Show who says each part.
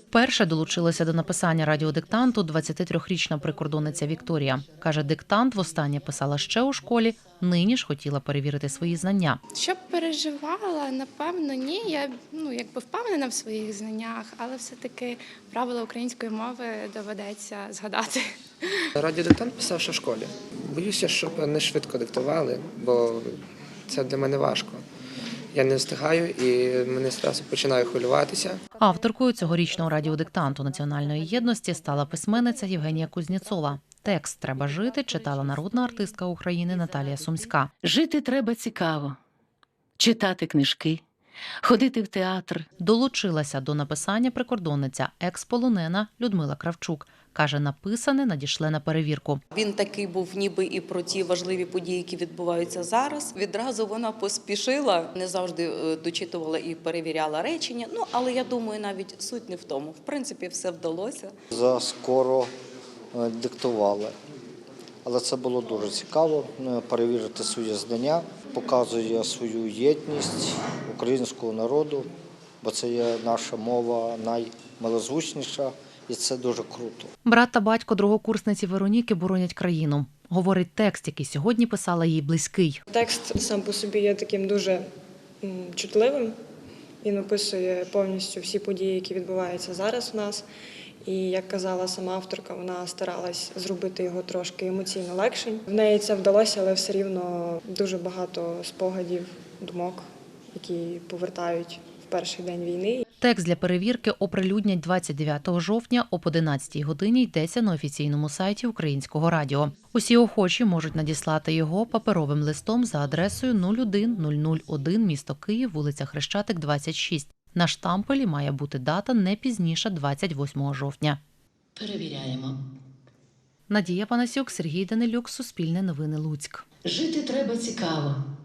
Speaker 1: Перша долучилася до написання радіодиктанту 23-річна прикордонниця Вікторія. Каже, диктант востаннє писала ще у школі, нині ж хотіла перевірити свої знання.
Speaker 2: Щоб переживала, напевно, ні. Я якби впевнена в своїх знаннях, але все-таки правила української мови доведеться згадати.
Speaker 3: Радіодиктант писав ще в школі. Боюся, щоб не швидко диктували, бо це для мене важко. Я не встигаю і мене одразу починаю хвилюватися.
Speaker 1: Авторкою цьогорічного радіодиктанту національної єдності стала письменниця Євгенія Кузнєцова. Текст «Треба жити» читала народна артистка України Наталія Сумська.
Speaker 4: Жити треба цікаво, читати книжки, ходити в театр.
Speaker 1: Долучилася до написання прикордонниця екс-полонена Людмила Кравчук. Каже, написане надішле на перевірку.
Speaker 5: Він такий був ніби і про ті важливі події, які відбуваються зараз. Відразу вона поспішила, не завжди дочитувала і перевіряла речення. Але я думаю, навіть суть не в тому. В принципі, все вдалося.
Speaker 6: Заскоро диктували. Але це було дуже цікаво перевірити свої знання, показує свою єдність українського народу, бо це є наша мова наймилозвучніша. І це дуже круто.
Speaker 1: Брат та батько другокурсниці Вероніки боронять країну. Говорить, текст, який сьогодні писала, їй близький.
Speaker 7: Текст сам по собі є таким дуже чутливим. Він описує повністю всі події, які відбуваються зараз у нас. І, як казала сама авторка, вона старалась зробити його трошки емоційно легшим. В неї це вдалося, але все рівно дуже багато спогадів, думок, які повертають в перший день війни.
Speaker 1: Текст для перевірки оприлюднять 29 жовтня об 11 годині, йдеться на офіційному сайті Українського радіо. Усі охочі можуть надіслати його паперовим листом за адресою 01001, місто Київ, вулиця Хрещатик, 26. На штампелі має бути дата не пізніше 28 жовтня.
Speaker 4: Перевіряємо.
Speaker 1: Надія Панасюк, Сергій Данилюк, Суспільне новини, Луцьк.
Speaker 4: Жити треба цікаво,